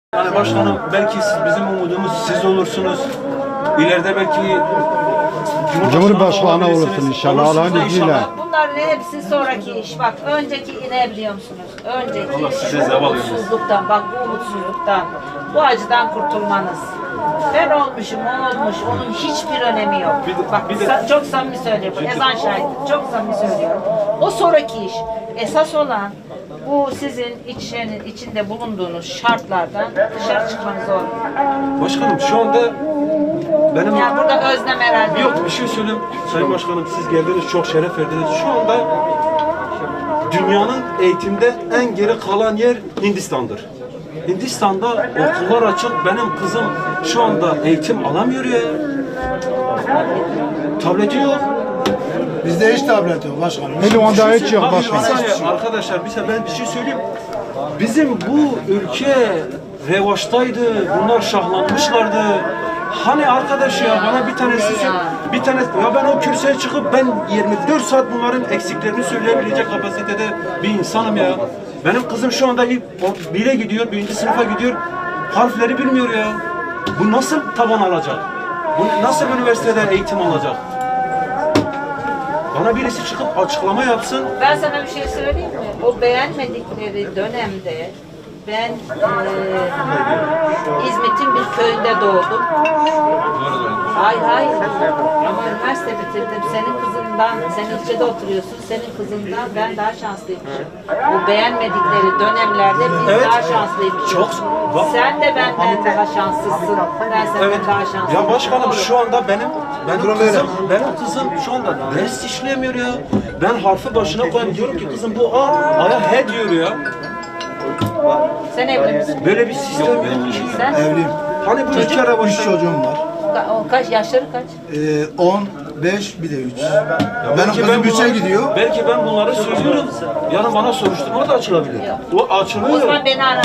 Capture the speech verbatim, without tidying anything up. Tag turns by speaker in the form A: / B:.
A: Yani başkanım belki siz, bizim umudumuz siz olursunuz. İleride belki
B: Cumhurbaşkanı olursun inşallah Allah'ın izniyle.
C: Bunların hepsi sonraki iş. Bak önceki ne biliyor musunuz? Önceki
A: Allah size
C: şu
A: zeval
C: umutsuzluktan, bak bu umutsuzluktan, bu acıdan kurtulmanız. Ben olmuşum, o olmuş, onun hiçbir önemi yok.
A: Bir de-
C: Bak
A: bir de-
C: sa- çok samimi söylüyorum, ezan şahidi, çok samimi söylüyorum. O sonraki iş. Esas olan bu sizin içinin, içinde bulunduğunuz şartlardan dışarı çıkmanız olur.
A: başkanım şu anda benim
C: Yani burada özlem herhalde.
A: yok bir şey söyleyeyim. Sayın Başkanım siz geldiniz çok şeref verdiniz. Şu anda dünyanın eğitimde en geri kalan yer Hindistan'dır. Hindistan'da okullar açık. Benim kızım şu anda eğitim alamıyor ya. Tableti yok.
D: Bizde hiç tablet yok başkanım.
B: Hele onda hiç yok
A: Bak, bir
B: başkanım.
A: saniye arkadaşlar bir saniye ben bir şey söyleyeyim. Bizim bu ülke revaçtaydı. Bunlar şahlanmışlardı. Hani arkadaş ya bana bir tanesi sö- bir tane ya ben o kürsüye çıkıp ben yirmi dört saat bunların eksiklerini söyleyebilecek kapasitede bir insanım ya. Benim kızım şu anda ilk o bire gidiyor, birinci sınıfa gidiyor. Harfleri bilmiyor ya. Bu nasıl taban alacak? Bu nasıl üniversitede eğitim alacak? Bana birisi çıkıp açıklama yapsın.
C: Ben sana bir şey söyleyeyim mi? O beğenmedikleri dönemde ben eee İzmit'in bir köyünde doğdum. Hayır hayır. Ama üniversite bitirdim. Senin kızından, sen ilçede oturuyorsun. Senin kızından ben daha şanslıymışım. Bu beğenmedikleri dönemlerde biz
A: Evet.
C: daha şanslıymışız.
A: Çok. Bak-
C: Sen de benden daha şanslısın. Ben senden
A: Evet.
C: daha şanslıyım.
A: Ya başkanım şu anda benim benim
D: Durum
A: kızım benim kızım şu anda ders işlemiyor ya. Ben harfi başına koyayım diyorum ki kızım bu A, A'ya he diyor ya.
C: Sen evli misin?
A: Böyle bir sistem yok ki.
C: Sen?
D: Evliyim.
A: Hani bu ülke
D: Üç
A: revaçta.
D: çocuğum var.
C: Ka- o kaç yaşları kaç?
D: Ee, on, beş, bir de üç. Benim
A: Belki
D: kızım
A: ben
D: üçe
A: bunları-
D: gidiyor.
A: Belki ben bunları söylüyorum. Yarın bana soruşturma da açılabilir. O açılıyor.
C: O zaman beni ara.